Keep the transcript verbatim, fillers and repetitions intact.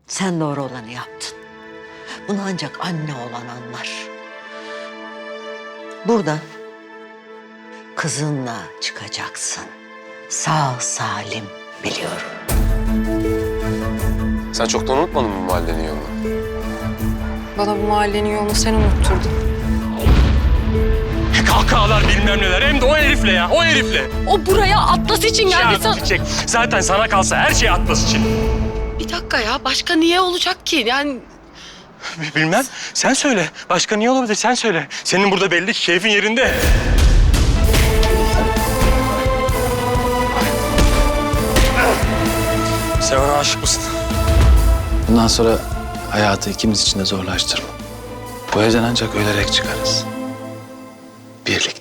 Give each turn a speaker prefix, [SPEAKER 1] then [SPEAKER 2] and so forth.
[SPEAKER 1] Sen doğru olanı yaptın. Bunu ancak anne olan anlar. Buradan kızınla çıkacaksın. Sağ salim, biliyorum.
[SPEAKER 2] Sen çoktan unutmadın mı mahallenin yolunu?
[SPEAKER 3] Bana bu mahallenin yolunu sen unutturdun.
[SPEAKER 4] Kahkahalar bilmem neler, hem de o herifle ya, o herifle.
[SPEAKER 3] O buraya Atlas için geldi.
[SPEAKER 4] Ya Çiçek, zaten sana kalsa her şey Atlas için.
[SPEAKER 3] Bir dakika ya, başka niye olacak ki? Yani
[SPEAKER 4] Bilmem, sen söyle. Başka niye olabilir, sen söyle. Senin burada belli ki keyfin yerinde. Sen ona aşık mısın?
[SPEAKER 5] Bundan sonra hayatı ikimiz için de zorlaştırma. Bu evden ancak ölerek çıkarız. Birlikte.